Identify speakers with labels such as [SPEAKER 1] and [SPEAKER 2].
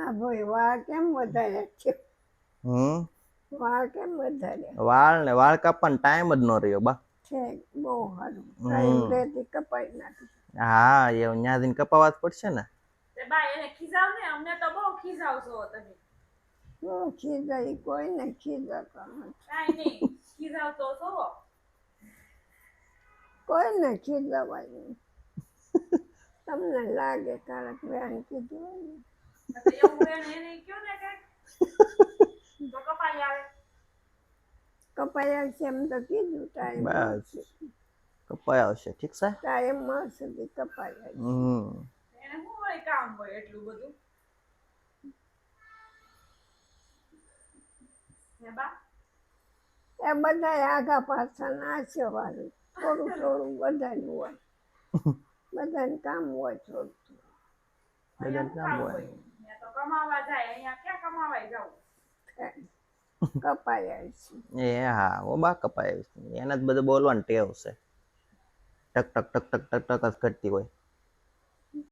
[SPEAKER 1] ના ભાઈ વાળ કેમ વધારે છે?
[SPEAKER 2] હમ
[SPEAKER 1] વાળ કેમ વધારે
[SPEAKER 2] વાળ કાપવાનો ટાઈમ જ ન રહ્યો બા.
[SPEAKER 1] છે? બહુ સારું ટાઈમ
[SPEAKER 2] હમ
[SPEAKER 1] રહેતી કપાઈ નાખી.
[SPEAKER 2] હા એ ન્યા જઈને કપાવા જ પડશે ને.
[SPEAKER 3] તે બા એને ખીજાવ ને, અમને તો બહુ ખીજાવશો તમે.
[SPEAKER 1] હું ખીજાઈ કોઈને ખીજાતા નથી.
[SPEAKER 3] કાઈ નહીં ખીજાવતો છો.
[SPEAKER 1] કોઈને ખીજાવાય નહીં. તમને લાગે કારક બેન કીધું હોય ને.
[SPEAKER 3] તો એવું એને કયો ને કે તો કપાઈ આવે.
[SPEAKER 1] કપાઈ આવશે એમ તો કીધું ટાઈમ
[SPEAKER 2] બસ
[SPEAKER 1] મળશે.
[SPEAKER 2] કપાઈ આવશે ઠીક છે.
[SPEAKER 1] ટાઈમ મળશે તે કપાઈ આવશે.
[SPEAKER 3] એને શું હોય કામ હોય એટલું બધું? હે બા?
[SPEAKER 1] એ બધા આગા પાછળ આશીર્વાદ થોડું થોડું બધાનું હોય. બધાને કામ હોય થોડું થોડું.
[SPEAKER 3] અહીંયા શું કામ હોય? અહીંયા તો કમાવા જાય, અહીંયા ક્યાં કમાવાય જવું?
[SPEAKER 1] કપાઈ આવશે.
[SPEAKER 2] એ હા ઓ બા કપાઈ આવશે. એને જ બધું બોલવાનું ટેવ છે. ટક ટક ટક ટક ટક ટક જ કરતી હોય.